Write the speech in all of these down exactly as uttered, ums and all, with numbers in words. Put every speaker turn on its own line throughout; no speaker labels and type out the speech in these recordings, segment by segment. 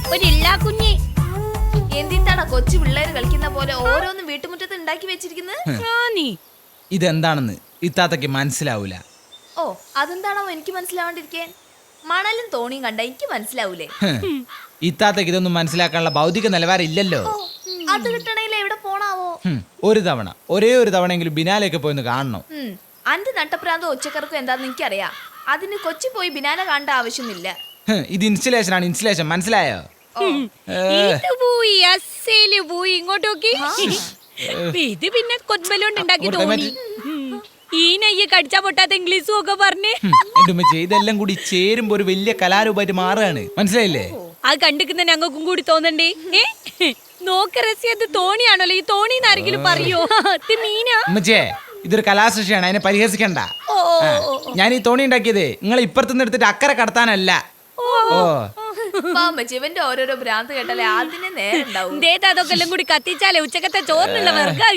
ഒരു ഇല്ലാ കുഞ്ഞി.
എന്തിട്ടാണ് കൊച്ചു പിള്ളേര് കളിക്കുന്ന പോലെ ഓരോന്നും വീട്ടുമുറ്റത്ത് ഉണ്ടാക്കി വെച്ചിരിക്കുന്നത്?
ഇതെന്താണെന്ന് ഇത്താത്തക്ക് മനസ്സിലാവൂല.
ഓ അതെന്താണോ എനിക്ക് മനസ്സിലാവാണ്ടിരിക്കാൻ? മണലും തോണിയും കണ്ട എനിക്ക് മനസ്സിലാവൂലേ?
ഇത്താത്തക്ക് ഇതൊന്നും മനസ്സിലാക്കാനുള്ള ഭൗതിക നിലവാരം ഇല്ലല്ലോ.
അത് കിട്ടണേൽ എവിടെ പോണാവോ?
ഒരു തവണ ഒരേ ഒരു തവണയെങ്കിലും ബിനാലേക്ക് പോയിന്ന് കാണണം.
അന്റെ നട്ടപ്രാന്തോ ഒച്ചക്കർക്കും എന്താന്ന് എനിക്കറിയാം. അതിന് കൊച്ചി പോയി ബിനാലെ കാണേണ്ട ആവശ്യമൊന്നുമില്ല.
ഇത് ഇൻസ്റ്റലേഷൻ ആണ്, ഇൻസ്റ്റലേഷൻ. മനസ്സിലായോ?
ഇത് പോയി അസേല് പോയി ഇങ്ങോട്ട് നോക്കി. ഇത് പിന്നെ കൊച്ചുബലോണ്ട് ഉണ്ടാക്കി തോന്നി. ഈ നെയ്യ് കടിച്ചാ പൊട്ടാത്ത ഇംഗ്ലീഷും ഒക്കെ പറഞ്ഞേ.
എന്റെ ഉമ്മച്ചി ഇതെല്ലാം കൂടി ചേരുമ്പോ ഒരു വലിയ കലാരൂപമായിട്ട് മാറുകയാണ്. മനസ്സിലായില്ലേ?
അത് കണ്ടിക്കുന്ന ഞങ്ങൾക്കും കൂടി തോന്നണ്ടേ? നോക്ക രസിയത് തോണിയാണല്ലോ. ഈ തോണിന്ന് ആരെങ്കിലും പറയോ? മീനാ
ഉമ്മച്ചിയെ, ഇതൊരു കലാസൃഷ്ടിയാണ്, അതിനെ പരിഹസിക്കണ്ട. ഞാൻ ഈ തോണി ഉണ്ടാക്കിയത് നിങ്ങൾ ഇപ്പുറത്തുനിന്ന് എടുത്തിട്ട് അക്കരെ കടത്താനല്ല. ഓ
ഇവന്റെ ഓരോരോ ഭ്രാന്ത് കേട്ടാലേ അതിനെ നേരുണ്ടാവും.
അതൊക്കെ എല്ലാം കൂടി കത്തിച്ചാലേ ഉച്ചക്കത്തെ ചോറിനുള്ള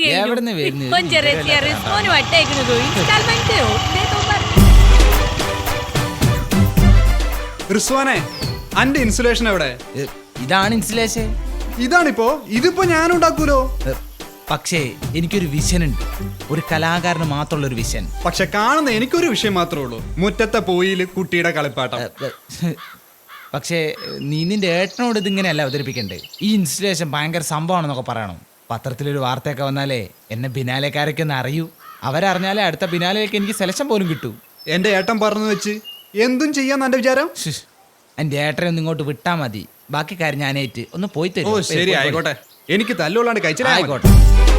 റിസ്വാനെ, അന്റെ ഇൻസുലേഷൻ എവിടെ?
ഇതാണ് ഇൻസുലേഷൻ.
ഇതാണിപ്പോ. ഇതിപ്പോ ഞാൻ ഉണ്ടാക്കൂലോ.
പക്ഷേ എനിക്കൊരു വിഷൻ ഉണ്ട്, ഒരു കലാകാരന് മാത്രമുള്ള ഒരു വിഷൻ.
പക്ഷെ കാണുന്ന എനിക്കൊരു വിഷയം മാത്രമേ ഉള്ളൂ, മുറ്റത്തെ പോയില് കുട്ടിയുടെ കളിപ്പാട്ടം.
പക്ഷേ നീ നിന്റെ ഏട്ടനോട് ഇതിങ്ങനെയല്ല അവതരിപ്പിക്കണ്ടേ. ഈ ഇൻസ്റ്റലേഷൻ ഭയങ്കര സംഭവമാണെന്നൊക്കെ പറയണം. പത്രത്തിലൊരു വാർത്തയൊക്കെ വന്നാലേ എന്നെ ബിനാലേക്കാരൊക്കെ ഒന്ന് അറിയൂ. അവരറിഞ്ഞാലേ അടുത്ത ബിനാലേക്ക് എനിക്ക് സെലക്ഷൻ പോലും കിട്ടൂ.
എന്റെ ഏട്ടൻ പറഞ്ഞു വെച്ച് എന്തും ചെയ്യാന്ന് എന്റെ വിചാരം?
എന്റെ ഏട്ടനെ ഒന്ന് ഇങ്ങോട്ട് വിട്ടാ മതി, ബാക്കി കാര്യം ഞാനേറ്റ് ഒന്ന് പോയി തരും.
ഓ ശരി, ആയിക്കോട്ടെ. എനിക്ക് തല്ലുകൊള്ളാണ്ട് കഴിച്ചില്ല.
ആയിക്കോട്ടെ.